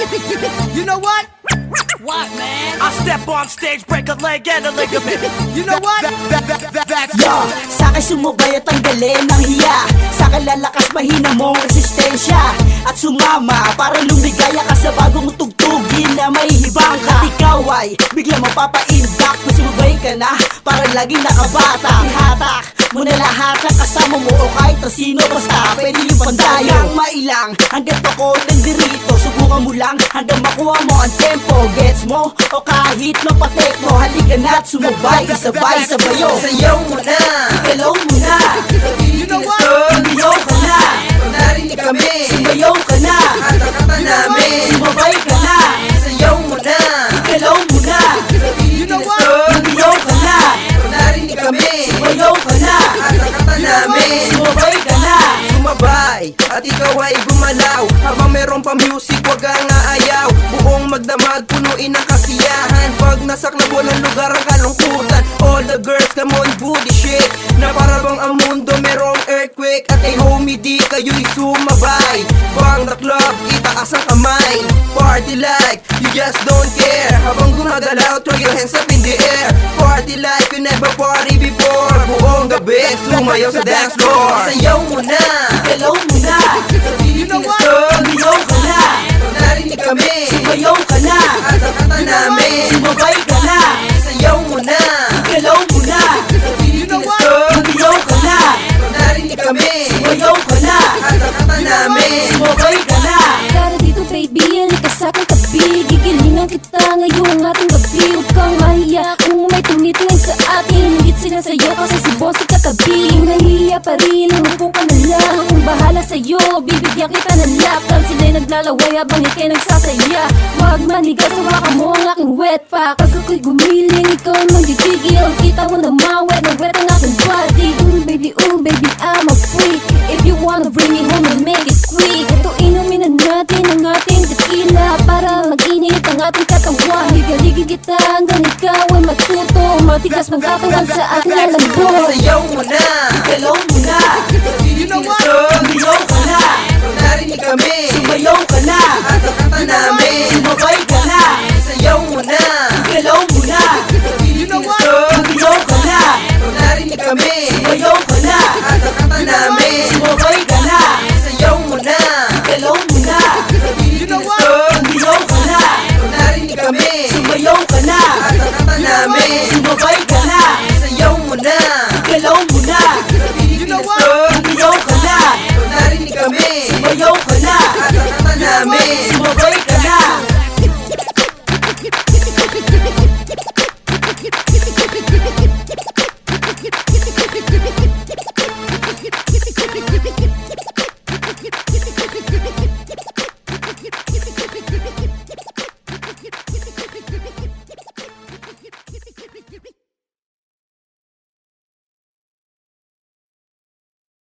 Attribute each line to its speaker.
Speaker 1: You know what?
Speaker 2: What, man?
Speaker 1: I step on stage, break a leg and a ligament. You know what? That's
Speaker 3: Yo, sa'kin sumugay at tanggalin ng hiya. Sa'kin lalakas mahina mong resistensya. At sumama para lumigaya ka sa bagong tugtugin na may hibang ka. Ikaw ay bigla mapapaindak kung sumubay ka na para laging nakabata. Ihatak mo na lahat ng kasama mo o kahit na sino, basta pwede yung pandayo. Hanggang mailang, hanggang ako nandirito. Subukan mo lang hanggang makuha mo ang tempo. Gets mo? O kahit mapatek mo, halika na't sumabay, sabay sabayo.
Speaker 4: Sayaw mo na,
Speaker 3: Galaw mo na,
Speaker 1: You know what?
Speaker 3: tumiyaw ka na,
Speaker 4: narinig kami.
Speaker 3: sumayaw ka na,
Speaker 4: Kata-kata namin.
Speaker 3: sumabay ka na,
Speaker 4: Sayaw mo na,
Speaker 3: galaw mo na,
Speaker 1: You know what?
Speaker 3: tumiyaw ka na,
Speaker 4: narinig kami.
Speaker 3: sumayaw ka na,
Speaker 4: Kata-kata namin.
Speaker 3: sumabay ka na.
Speaker 4: Sumabay at ikaw ay gumalaw. Habang meron pa music, wag kang aayaw. Buong magdamag, punuin ng kasiyahan. Pag nasaklabo ng lugar ang kalungkutan, all the girls come on, booty shake. Na para bang ang mundo merong earthquake. At ay homie, di kayo'y sumabay. Bang the club, itaas ang kamay. Party like you just don't care. Habang gumagalaw, throw your hands up in the air. Party like you never party before. Buong gabi, sumayaw sa dance floor. Sayaw mo na,
Speaker 3: Galaw mo na,
Speaker 1: You know what?
Speaker 3: tumiyaw ka na,
Speaker 4: narinig kami.
Speaker 3: sumayaw ka na,
Speaker 4: Kata-kata namin.
Speaker 3: sumabay ka na,
Speaker 4: Sayaw mo na,
Speaker 3: galaw mo na,
Speaker 1: You know what?
Speaker 3: tumiyaw ka na,
Speaker 4: narinig kami.
Speaker 3: sumayaw ka na,
Speaker 4: Kata-kata namin.
Speaker 3: sumabay ka na.
Speaker 2: Tara dito baby, halika sa'king tabi. Gigilingan kita ngayong ating gabi. Huwag kang mahiya kung may tumitingin sa atin. Higit sila sa'yo kasi si boss ay katabi. Kung nahiya pa rin, umupo ka na lang. Kung bahala sa'yo, bibigyan kita ng laptop. Sila'y naglalaway habang ikay nagsasaya. Huwag manigas, hawakan mo ang aking wet pack. Pag ako'y gumiling, ikaw ay magigigil. Kita mo na wet ang aking body. Ooh baby, I'm a freak. If you wanna bring me home and make it quick. Ito inumin na natin ang ating tequila para mag-init ang ating katawan. Higaligin kita hanggang ikaw ay matuto. Matigas magkatawan sa ating lalambot.
Speaker 4: Sayaw mo na,
Speaker 3: Galaw mo na,
Speaker 1: You know what?
Speaker 3: tumiyaw ka na,
Speaker 4: narinig kami.
Speaker 3: sumayaw ka na,
Speaker 4: Kata-kata namin.
Speaker 3: sumabay ka na,
Speaker 4: Sayaw mo na,
Speaker 3: galaw mo na,
Speaker 1: You know what?
Speaker 3: tumiyaw ka na,
Speaker 4: narinig kami.
Speaker 3: sumayaw ka na,
Speaker 4: Kata-kata namin.
Speaker 3: sumabay ka na,
Speaker 4: Sayaw mo na,
Speaker 3: galaw mo na,
Speaker 1: You know what?
Speaker 3: tumiyaw ka na,
Speaker 4: narinig kami.
Speaker 3: sumayaw ka na,
Speaker 4: Kata-kata namin.
Speaker 3: sumabay ka